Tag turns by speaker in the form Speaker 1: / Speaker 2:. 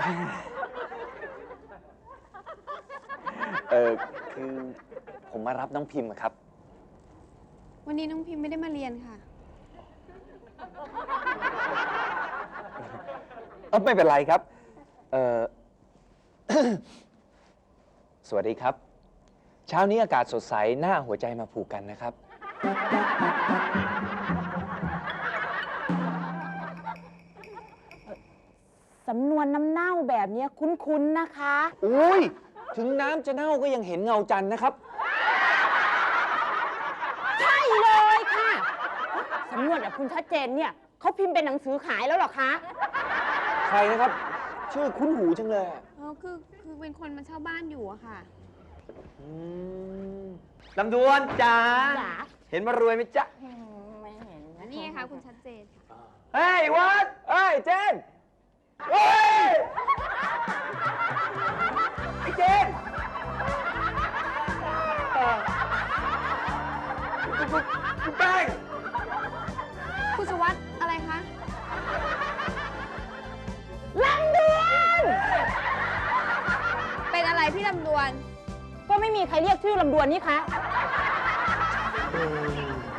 Speaker 1: คือผมมารับน้องพิมพ์ครับ
Speaker 2: วันนี้น้องพิมพ์ไม่ได้มาเรียนค่ะ
Speaker 1: ไม่เป็นไรครับสวัสดีครับเช้านี้อากาศสดใสหน้าหัวใจมาผูกกันนะครับ
Speaker 3: สำนวนน้ำเน่าแบบนี้คุ้นๆนะคะ
Speaker 1: อุ้ยถึงน้ำจะเน่าก็ยังเห็นเงาจันทร์นะครับ
Speaker 3: ใช่เลยค่ะสำนวนแบบคุณชัดเจนเนี่ยเขาพิมพ์เป็นหนังสือขายแล้วหรอคะ
Speaker 1: ใครนะครับชื่อคุ้นหูจังเลย
Speaker 2: คือเป็นคนมาเช่าบ้านอยู่อะค่ะ
Speaker 1: ลำดวนจ๋าเห็นมารวยไหมจ๊ะ
Speaker 3: ไม่เห็น
Speaker 2: อันนี้ค่ะคุณชัดเจนค่ะ
Speaker 1: เฮ้ยวัดเฮ้ยเจนเฮ้ยไอ้เจนคุณแป้ง
Speaker 2: คุณสุวัสด์อะไรคะ
Speaker 3: ลำดวน
Speaker 2: เป็นอะไรพี่ลำดวน
Speaker 3: ก็ไม่มีใครเรียกชื่อลำดวนนี่คะ